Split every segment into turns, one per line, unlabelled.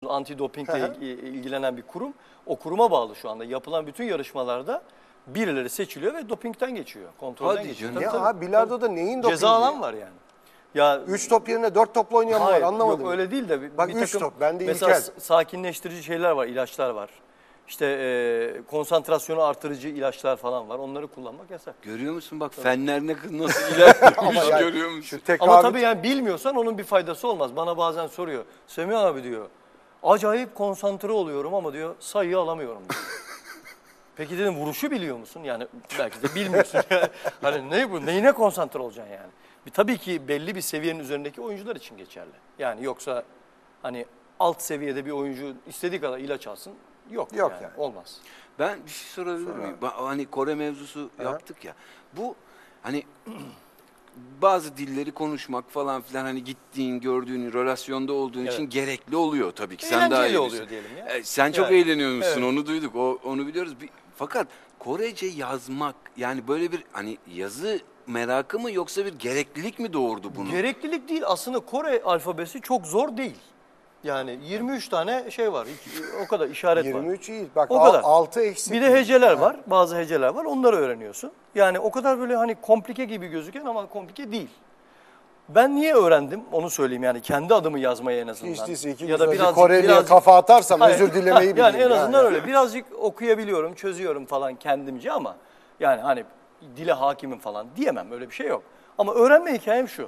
Antidopingle ilgilenen bir kurum. O kuruma bağlı şu anda. Yapılan bütün yarışmalarda birileri seçiliyor ve dopingten geçiyor. Kontrolden geçiyor.
Ya abi bilardoda neyin dopingi?
Ceza alan var yani. Ya
3 top yerine 4 topla oynayan mı var anlamadım.
Yok öyle değil de
Bak
bir
3
takım
top bende
mesela
ilkel.
sakinleştirici şeyler var, ilaçlar var. İşte konsantrasyonu artırıcı ilaçlar falan var. Onları kullanmak yasak.
Görüyor musun bak fenler nasıl ilerliyormuş
yani
görüyor musun?
Ama tabii yani bilmiyorsan onun bir faydası olmaz. Bana bazen soruyor. Semih abi diyor. Acayip konsantre oluyorum ama diyor sayıyı alamıyorum diyor. Peki dedim vuruşu biliyor musun? Yani belki de bilmiyorsun. Hani ne bu? Neyine konsantre olacaksın yani? Tabii ki belli bir seviyenin üzerindeki oyuncular için geçerli. Yani yoksa hani alt seviyede bir oyuncu istediği kadar ilaç alsın yok yani. Olmaz.
Ben bir şey sorabilir miyim? Hani Kore mevzusu yaptık ya. Bu hani bazı dilleri konuşmak falan filan hani gittiğin, gördüğün, relasyonda olduğun için gerekli oluyor tabii ki. Sen daha iyi
oluyor diyelim ya.
Sen çok eğleniyormuşsun onu duyduk. Onu biliyoruz. Fakat Korece yazmak yani böyle bir hani yazı merakı mı yoksa bir gereklilik mi doğurdu bunu?
Gereklilik değil. Aslında Kore alfabesi çok zor değil. Yani 23 tane şey var. O kadar işaret
23
var.
23 iyi. Bak
o kadar.
6 eksik.
Bir de heceler var. Bazı heceler var. Onları öğreniyorsun. Yani o kadar böyle hani komplike gibi gözüken ama komplike değil. Ben niye öğrendim onu söyleyeyim yani kendi adımı yazmaya en azından.
Hiç değilse
ya da
Koreli'ye kafa atarsam özür dilemeyi bileyim.
Yani en azından öyle. Birazcık okuyabiliyorum, çözüyorum falan kendimce ama yani hani dile hakimim falan diyemem. Öyle bir şey yok. Ama öğrenme hikayem şu.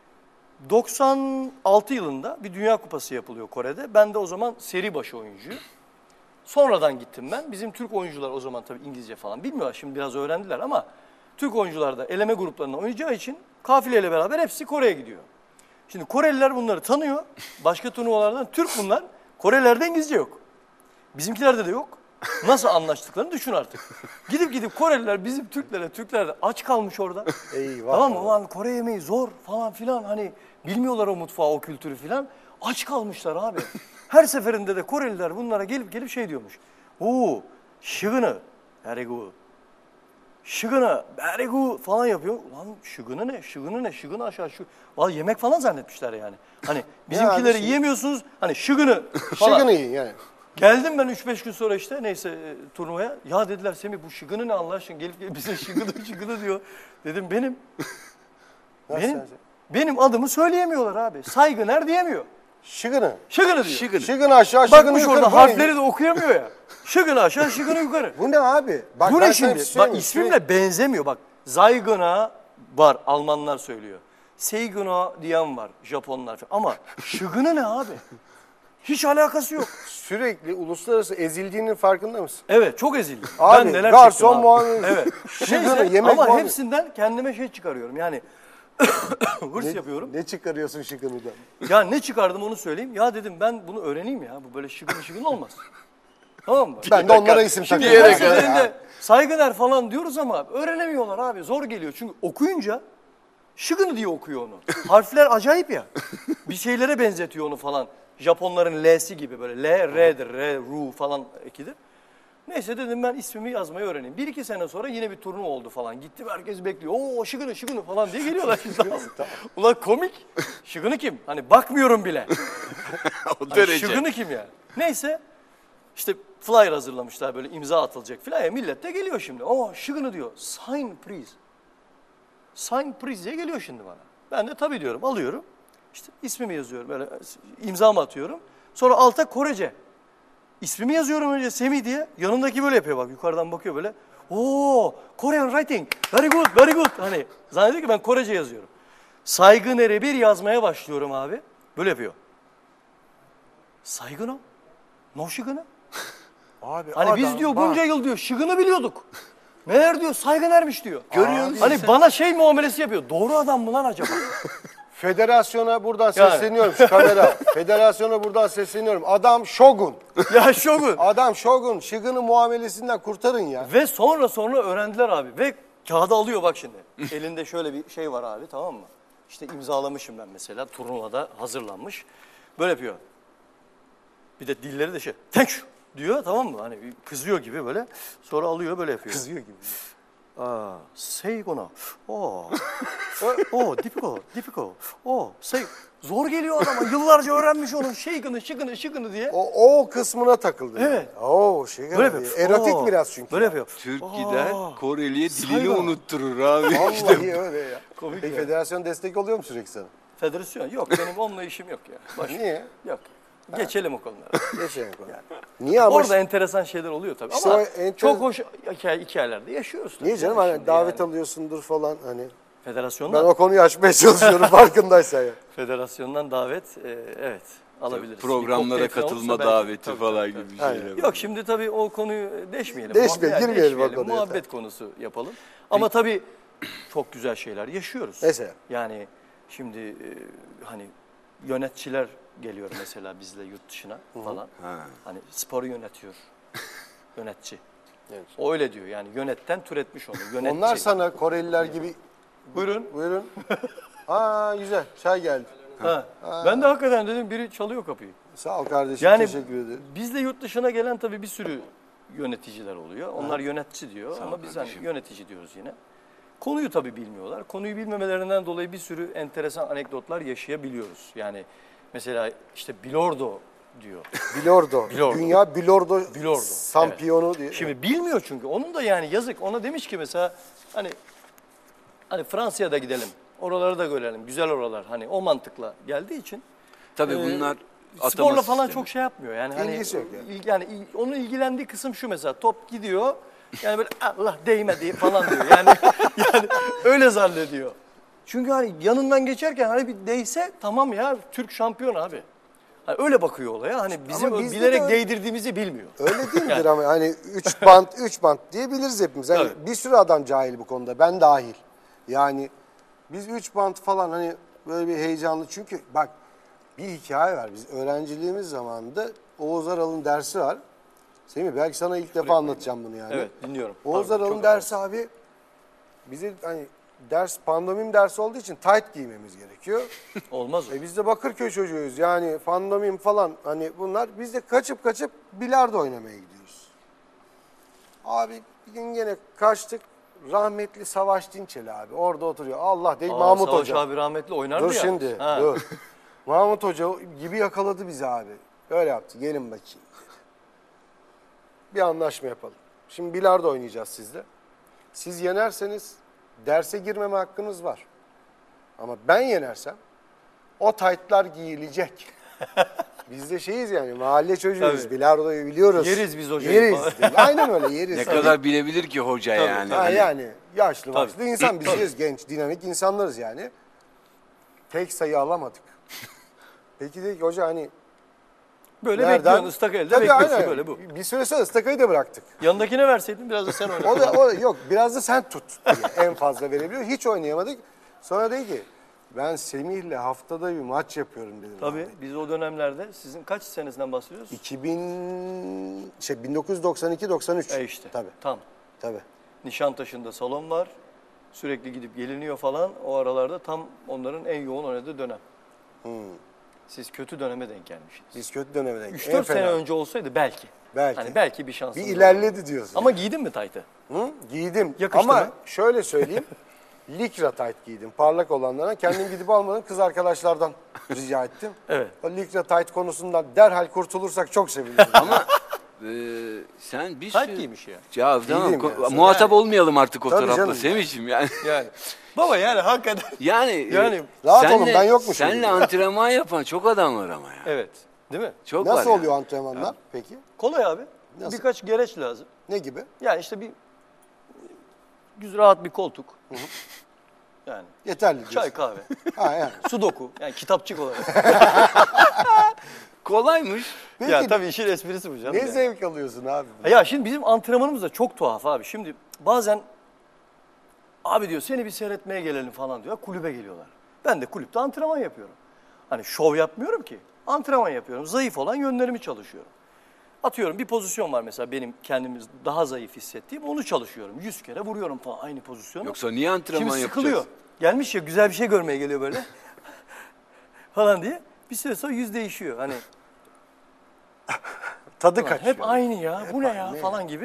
96 yılında bir Dünya Kupası yapılıyor Kore'de. Ben de o zaman seri başı oyuncuyum. Sonradan gittim ben. Bizim Türk oyuncular o zaman tabii İngilizce falan bilmiyorlar. Şimdi biraz öğrendiler ama Türk oyuncular da eleme gruplarında oynayacağı için kafileyle beraber hepsi Kore'ye gidiyor. Şimdi Koreliler bunları tanıyor. Başka turnuvalardan Türk bunlar. Korelilerde İngilizce yok. Bizimkilerde de yok. Nasıl anlaştıklarını düşün artık. Gidip Koreliler bizim Türkler de aç kalmış orada.
Eyvah.
Tamam mı? Ulan Kore yemeği zor falan filan hani bilmiyorlar o mutfağı, o kültürü filan. Aç kalmışlar abi. Her seferinde de Koreliler bunlara gelip şey diyormuş. Oo, şıgını, very good. Şıgını, very good falan yapıyor. Ulan şıgını ne, şıgını aşağı şu. Vallahi yemek falan zannetmişler yani. Hani bizimkileri yiyemiyorsunuz, hani şıgını falan.
Şıgını yiyin yani.
Geldim ben 3-5 gün sonra işte neyse turnuvaya. Ya dediler Semih bu şıgını ne Allah aşkına gelip bize şıgını diyor. Dedim benim adımı söyleyemiyorlar abi. Saygıner diyemiyor.
Şıgını
diyor.
Şıgını aşağı şıgını
Bakmış
yukarı.
orada harfleri de okuyamıyor ya. Şıgını aşağı şıgını yukarı.
Bu ne abi? Bak,
bu ne şimdi? Bak ismimle benzemiyor bak. Zaygına var Almanlar söylüyor. Seiguna diyen var Japonlar falan. Ama şıgını ne abi? Hiç alakası yok.
Sürekli uluslararası ezildiğinin farkında mısın?
Evet çok ezildim.
Abi
ben neler
garson muamelesi.
Evet.
Şıgını yemek
ama
muamelesi.
hepsinden kendime şey çıkarıyorum yani. Hırs yapıyorum.
Ne çıkarıyorsun şıgınıdan?
Ya ne çıkardım onu söyleyeyim. Ya dedim ben bunu öğreneyim ya. Bu böyle şıgını olmaz. Tamam mı?
Ben de onlara isim takıyorum.
Şimdi her seferinde saygılar falan diyoruz ama öğrenemiyorlar abi. Zor geliyor. Çünkü okuyunca şıgını diye okuyor onu. Harfler acayip ya. Bir şeylere benzetiyor onu falan. Japonların L'si gibi böyle L, R'dir, R, Ru falan ekidir. Neyse dedim ben ismimi yazmayı öğreneyim. 1-2 sene sonra yine bir turnuva oldu falan. Gittim herkes bekliyor. Oo şıgını falan diye geliyorlar. Ulan komik. Şıgını kim? Hani bakmıyorum bile.
O derece.
Hani şıgını kim ya? Neyse işte flyer hazırlamışlar böyle imza atılacak falan. Ya millet de geliyor şimdi. Oo şıgını diyor. Sign please. Sign please diye geliyor şimdi bana. Ben de tabii diyorum alıyorum. İşte ismimi yazıyorum böyle imzamı atıyorum. Sonra alta Korece. İsmimi yazıyorum önce Semih diye. Yanındaki böyle yapıyor bak yukarıdan bakıyor böyle. Oo Korean writing. Very good, very good. Hani zannediyor ki ben Korece yazıyorum. Saygıner'e bir yazmaya başlıyorum abi. Böyle yapıyor. Saygın o. No şıgını.
Abi
hani biz diyor bunca yıl diyor şıgını biliyorduk. Meğer diyor Saygıner'miş diyor. Görüyor musun? Hani bana şey muamelesi yapıyor. Doğru adam mı lan acaba?
Federasyona buradan sesleniyorum şu kamera. Federasyona buradan sesleniyorum. Adam şogun.
Ya şogun.
Adam şogun. Şıgını muamelesinden kurtarın ya.
Ve sonra öğrendiler abi. Ve kağıdı alıyor bak şimdi. Elinde şöyle bir şey var abi tamam mı? İşte imzalamışım ben mesela turnuvada hazırlanmış. Böyle yapıyor. Bir de dilleri de şey thank you diyor tamam mı? Hani kızıyor gibi böyle. Sonra alıyor böyle yapıyor.
Kızıyor gibi.
Seigono. Difficult. Zor geliyor adama. Yıllarca öğrenmiş onun şıkını diye.
O kısmına takıldı.
Evet.
Yani.
Böyle yapıyor.
Erotik biraz çünkü.
Böyle yapıyor.
Türk gider Koreli'ye dilini
Saygı.
unutturur abi.
Vallahi öyle ya.
Komik
Peki
ya.
federasyon destek oluyor mu sürekli sana?
Federasyon yok. Benim onunla işim yok ya.
Niye?
Yok. Geçelim o konulara.
Geçelim. Niye ama?
Orada enteresan şeyler oluyor tabii.
İşte
Ama
o
çok hoş hikayelerde yaşıyoruz. Tabii.
Niye canım?
Yani
Hani
şimdi
davet
yani.
alıyorsundur falan hani.
Federasyondan,
Ben o konuyu açmaya çalışıyorum farkındaysan ya.
federasyondan davet evet alabiliriz.
Programlara
Bir kokteyl falan
katılma
olursa belki-
daveti
tabii,
falan
tabii,
gibi
Aynen.
şeyler.
Yok şimdi tabii o konuyu deşmeyelim.
Girmeyelim o konuya,
Muhabbet konusu yapalım. Ama tabii çok güzel şeyler yaşıyoruz.
Mesela?
Yani şimdi hani yöneticiler geliyor mesela bizle yurt dışına falan. Hani sporu yönetiyor. Yönetici.
Evet.
O öyle diyor yani yönetten türetmiş onu. Yönetici.
Onlar sana Koreliler gibi...
Buyurun.
Buyurun. Güzel. Çay geldi.
Ben de hakikaten dedim biri çalıyor kapıyı.
Sağ ol kardeşim.
Yani
Teşekkür ederim.
bizde yurt dışına gelen tabii bir sürü yöneticiler oluyor. Onlar yönetici diyor
Sağ ol
ama biz hani
kardeşim.
yönetici diyoruz yine. Konuyu tabii bilmiyorlar. Konuyu bilmemelerinden dolayı bir sürü enteresan anekdotlar yaşayabiliyoruz. Yani mesela işte Bilordo diyor.
Bilordo.
Bilordo.
Dünya Bilordo,
Bilordo,
şampiyonu diye.
Şimdi bilmiyor çünkü. Onun da yani yazık. Ona demiş ki mesela hani Fransa'ya da gidelim. Oraları da görelim. Güzel oralar. Hani o mantıkla geldiği için.
Tabii bunlar
Sporla
atama
falan
sistemi.
çok şey yapmıyor. Yani hani
İlgisi yok yani.
yani onun ilgilendiği kısım şu mesela top gidiyor. Yani böyle Allah değmedi falan diyor. Yani öyle zannediyor. Çünkü hani yanından geçerken hani bir değse tamam ya Türk şampiyon abi. Hani öyle bakıyor olaya. Hani bizim
bizde
bilerek
de öyle-
değdirdiğimizi bilmiyor.
Öyle değildir ama hani 3 bant diyebiliriz hepimiz. Hani
Tabii.
bir sürü adam cahil bu konuda. Ben dahil. Yani biz 3 bant falan hani böyle bir heyecanlı. Çünkü bak bir hikaye var. Biz öğrenciliğimiz zamanında Oğuz Aral'ın dersi var. Semih belki sana ilk defa anlatacağım bunu yani.
Evet dinliyorum.
Oğuz
Pardon,
Aral'ın
çok
dersi abi bize hani pandomim dersi olduğu için tight giymemiz gerekiyor.
olmaz o.
Biz de Bakırköy çocuğuyuz yani fandomim falan hani bunlar biz de kaçıp bilardo oynamaya gidiyoruz. Abi bir gün gene kaçtık rahmetli Savaş Dinçeli abi orada oturuyor Allah değil Mahmut
Savaş
Hoca.
abi rahmetli oynardı
Dur
ya.
şimdi
Ha.
dur. Mahmut Hoca gibi yakaladı bizi abi. Öyle yaptı gelin bakayım. Bir anlaşma yapalım. Şimdi bilardo oynayacağız sizle. Siz yenerseniz derse girmeme hakkınız var. Ama ben yenersem o taytlar giyilecek. Biz de şeyiz yani mahalle çocuğuyuz.
Tabii.
Bilardoyu biliyoruz.
Yeriz biz hocayı
Yeriz.
falan.
Aynen öyle yeriz.
Ne kadar bilebilir ki hoca yani.
Ha,
Hani
yani yaşlı
Tabii.
başlı insan biziz genç dinamik insanlarız yani. Tek sayı alamadık. Peki dedik hoca hani
Böyle
nereden?
bekliyorsun ıslak elde
Tabii,
bekliyorsun
aynen.
böyle bu.
Bir süre sonra ıstakayı da bıraktık.
Yanındakine verseydin biraz da sen oyna.
O da yok biraz da sen tut diye en fazla verebiliyor. Hiç oynayamadık. Sonra dedi ki ben Semih'le haftada bir maç yapıyorum dedim.
Tabii biz o dönemlerde sizin kaç senesinden bahsediyoruz?
1992-93.
İşte.
Tabii.
Tam. Nişantaşı'nda salon var. Sürekli gidip geliniyor falan. O aralarda tam onların en yoğun oynadığı dönem. Siz kötü döneme denk gelmişsiniz.
Biz kötü döneme denk.
3-4 sene önce olsaydı belki.
Belki.
Hani belki bir şansınız
Bir
olurdu.
ilerledi diyorsun.
Ama giydin mi taytı?
Hı? Giydim.
Yakıştı
Ama
mı?
şöyle söyleyeyim. Likra tight giydim. Parlak olanlardan. Kendim gidip almadım. Kız arkadaşlardan rica ettim.
Evet.
O likra tight konusundan derhal kurtulursak çok sevinirim.
ama sen bir
Tayt
sürü...
giymiş ya.
Ya tamam
Giydim ya.
muhatap olmayalım artık o
Tabii
tarafla
canım.
Semih'ciğim yani.
Yani. Baba yani hakikaten.
Yani
Rahat olun, ben yokmuşum
Seninle
gibi.
antrenman yapan çok adam var ama ya.
Evet. Değil mi?
Çok var
Nasıl
ya.
oluyor antrenmanlar peki?
Kolay abi.
Nasıl?
Birkaç gereç lazım.
Ne gibi?
Yani işte bir güzel rahat bir koltuk. Yani
Yeterli diyorsun.
çay kahve.
Ha, yani.
Sudoku. Yani kitapçık olarak.
Kolaymış.
Peki,
Ya tabii işin esprisi bu canım.
ne
yani.
zevk alıyorsun abi?
Ya şimdi bizim antrenmanımız da çok tuhaf abi. Şimdi bazen abi diyor seni bir seyretmeye gelelim falan diyor. Kulübe geliyorlar. Ben de kulüpte antrenman yapıyorum. Hani şov yapmıyorum ki. Antrenman yapıyorum. Zayıf olan yönlerimi çalışıyorum. Atıyorum bir pozisyon var mesela benim kendimi daha zayıf hissettiğim onu çalışıyorum. 100 kere vuruyorum falan aynı pozisyonu.
Yoksa niye antrenman
Şimdi
yapacağız?
sıkılıyor. Gelmiş ya güzel bir şey görmeye geliyor böyle. falan diye. Bir süre sonra yüz değişiyor. Hani
Tadı kaçıyor.
hep aynı ya. Bu ne ya
aynı.
falan gibi.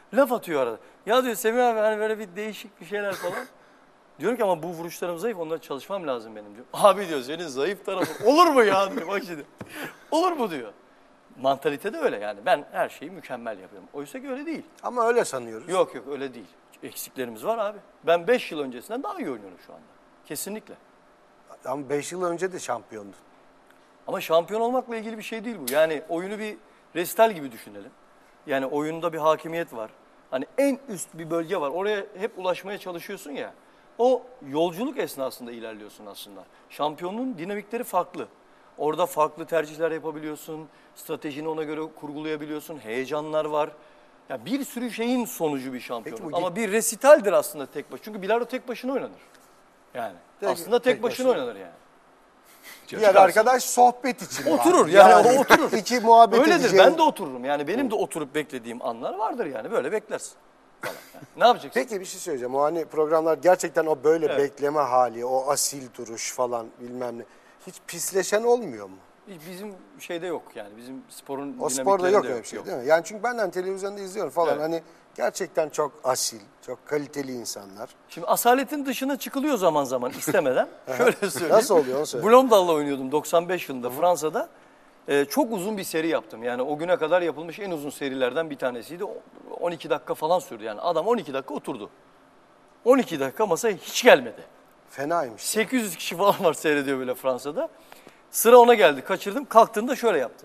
Laf atıyor arada. Ya diyor Semih abi hani böyle bir değişik bir şeyler falan. Diyorum ki ama bu vuruşlarım zayıf, onlara çalışmam lazım benim diyor. Abi diyor senin zayıf tarafın olur mu ya diyor bak şimdi. Olur mu diyor. Mantalite de öyle yani. Ben her şeyi mükemmel yapıyorum. Oysa ki öyle değil.
Ama öyle sanıyoruz.
Yok öyle değil. Eksiklerimiz var abi. Ben 5 yıl öncesinden daha iyi oynuyorum şu anda. Kesinlikle.
Ama 5 yıl önce de şampiyondun.
Ama şampiyon olmakla ilgili bir şey değil bu. Yani oyunu bir resital gibi düşünelim. Yani oyunda bir hakimiyet var. Hani en üst bir bölge var. Oraya hep ulaşmaya çalışıyorsun ya. O yolculuk esnasında ilerliyorsun aslında. Şampiyonluğun dinamikleri farklı. Orada farklı tercihler yapabiliyorsun. Stratejini ona göre kurgulayabiliyorsun. Heyecanlar var. Ya bir sürü şeyin sonucu bir şampiyonluk.
Peki bu
Ama bir resitaldir aslında tek başına. Çünkü bilardo tek başına oynanır. Yani aslında tek başına oynanır yani.
Diğer arkadaş sohbet için.
Oturur
var.
yani o oturur.
İki muhabbet
Öyledir,
edeceğin.
ben de otururum. Yani benim de oturup beklediğim anlar vardır yani. Böyle beklersin falan. Yani ne yapacaksın?
Peki bir şey söyleyeceğim. O hani programlar gerçekten o böyle
Evet.
bekleme hali, o asil duruş falan bilmem ne. Hiç pisleşen olmuyor mu?
Hiç bizim şeyde yok yani. Bizim sporun
O sporda
dinamiklerinde
yok öyle bir şey değil mi? Yani çünkü ben televizyonda izliyorum falan.
Evet.
Hani gerçekten çok asil, çok kaliteli insanlar.
Şimdi asaletin dışına çıkılıyor zaman zaman istemeden. Şöyle söyleyeyim.
Nasıl oluyor onu söyle.
Blomdal'la oynuyordum 95 yılında Fransa'da. Çok uzun bir seri yaptım. Yani o güne kadar yapılmış en uzun serilerden bir tanesiydi. 12 dakika falan sürdü yani. Adam 12 dakika oturdu. 12 dakika masaya hiç gelmedi.
Fenaymış.
800 kişi falan var seyrediyor böyle Fransa'da. Sıra ona geldi. Kaçırdım. Kalktığında şöyle yaptı.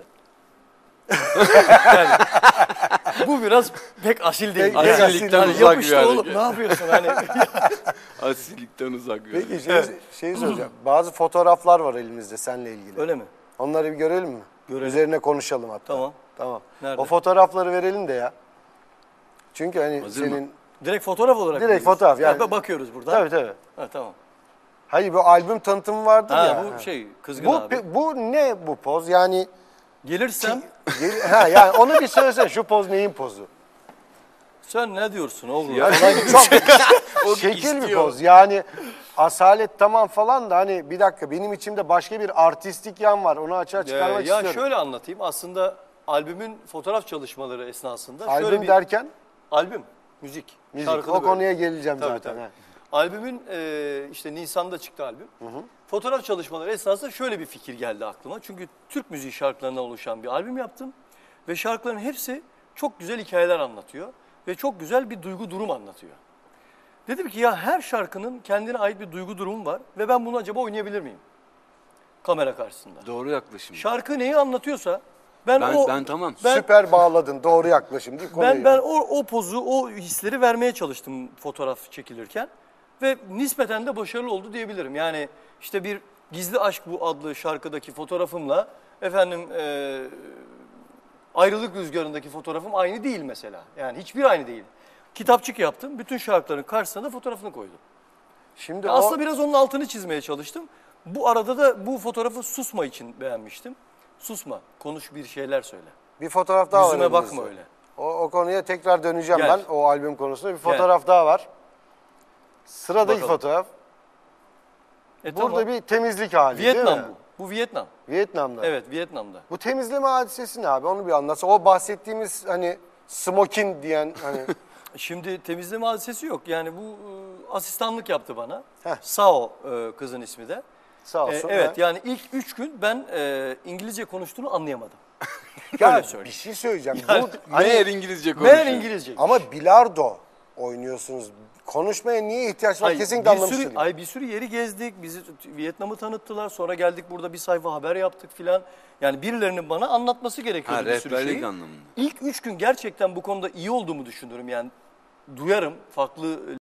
Yani, bu biraz pek asil değil.
Pek
Yani,
asillikten
hani
uzak
yapıştı
bir
oğlum.
hareket.
Ne yapıyorsun hani?
Asillikten uzak.
Peki şeyi soracağım. Bazı fotoğraflar var elimizde seninle ilgili.
Öyle mi?
Onları bir görelim mi?
Görelim.
Üzerine konuşalım hatta.
Tamam.
Tamam.
Nerede?
O fotoğrafları verelim de ya. Çünkü hani
Hazır mı?
senin...
Direkt fotoğraf olarak
Direkt
mı diyorsun?
fotoğraf, yani-
Ha, bakıyoruz buradan.
Tabii tabii.
Ha, tamam.
Hayır bu albüm tanıtımı vardır
Ha,
ya.
bu şey kızgın abi.
Bu ne bu poz? Yani
Gelirsem
yani onu bir söylesene. Şu poz neyin pozu?
sen ne diyorsun oğlum?
Ya,
Çok
O
şekil bir
istiyor.
poz. Yani asalet tamam falan da hani bir dakika benim içimde başka bir artistik yan var. Onu açığa çıkarmak
ya
istiyorum.
şöyle anlatayım. Aslında albümün fotoğraf çalışmaları esnasında şöyle
Albüm
bir
derken
albüm, müzik,
müzik.
şarkılı
O
böyle.
konuya geleceğim
Tabii,
zaten.
tabii.
ha.
Albümün işte Nisan'da çıktı albüm. Fotoğraf çalışmaları esnasında şöyle bir fikir geldi aklıma. Çünkü Türk müziği şarkılarından oluşan bir albüm yaptım. Ve şarkıların hepsi çok güzel hikayeler anlatıyor. Ve çok güzel bir duygu durum anlatıyor. Dedim ki ya her şarkının kendine ait bir duygu durumu var. Ve ben bunu acaba oynayabilir miyim? Kamera karşısında.
Doğru yaklaşım.
Şarkı neyi anlatıyorsa ben
Ben tamam.
Ben-
Süper bağladın. Doğru yaklaşım değil konuyu.
Ben o pozu, o hisleri vermeye çalıştım fotoğraf çekilirken ve nispeten de başarılı oldu diyebilirim. Yani işte bir Gizli Aşk Bu adlı şarkıdaki fotoğrafımla efendim Ayrılık Rüzgarı'ndaki fotoğrafım aynı değil mesela. Yani hiçbir aynı değil. Kitapçık yaptım. Bütün şarkıların karşısına da fotoğrafını koydum.
Şimdi
Ya
o
aslında biraz onun altını çizmeye çalıştım. Bu arada da bu fotoğrafı Susma için beğenmiştim. Susma, konuş bir şeyler söyle.
bir fotoğraf daha var.
Yüzüme bakma
elimizde.
öyle.
O konuya tekrar döneceğim
Gel.
ben o albüm konusunda. Bir fotoğraf daha var. Sıradaki
Bakalım.
fotoğraf.
Burada
Burada bir temizlik hali
Vietnam
değil mi?
bu. Bu Vietnam.
Vietnam'da.
Evet, Vietnam'da.
Bu temizleme hadisesi ne abi? Onu bir anlatsa. O bahsettiğimiz hani smokin diyen hani
Şimdi temizleme hadisesi yok. Yani bu asistanlık yaptı bana.
Heh.
Sao kızın ismi de.
sağ olsun.
Evet,
ha.
yani ilk 3 gün ben İngilizce konuştuğunu anlayamadım.
Ya
Öyle
bir
söyleyeyim.
şey söyleyeceğim.
Yani-
Bu, hani,
Meğer İngilizce konuşuyor.
Meğer İngilizce.
ama bilardo oynuyorsunuz. Konuşmaya niye ihtiyaç var?
Hayır,
Kesinlikle
bir
anlamış
sürü,
değilim.
bir sürü yeri gezdik. Bizi Vietnam'ı tanıttılar. Sonra geldik burada bir sayfa haber yaptık filan. Yani birilerinin bana anlatması gerekiyordu
Ha,
bir sürü şeyi.
rehberlik anlamında.
İlk 3 gün gerçekten bu konuda iyi olduğumu düşünüyorum. Yani duyarım farklı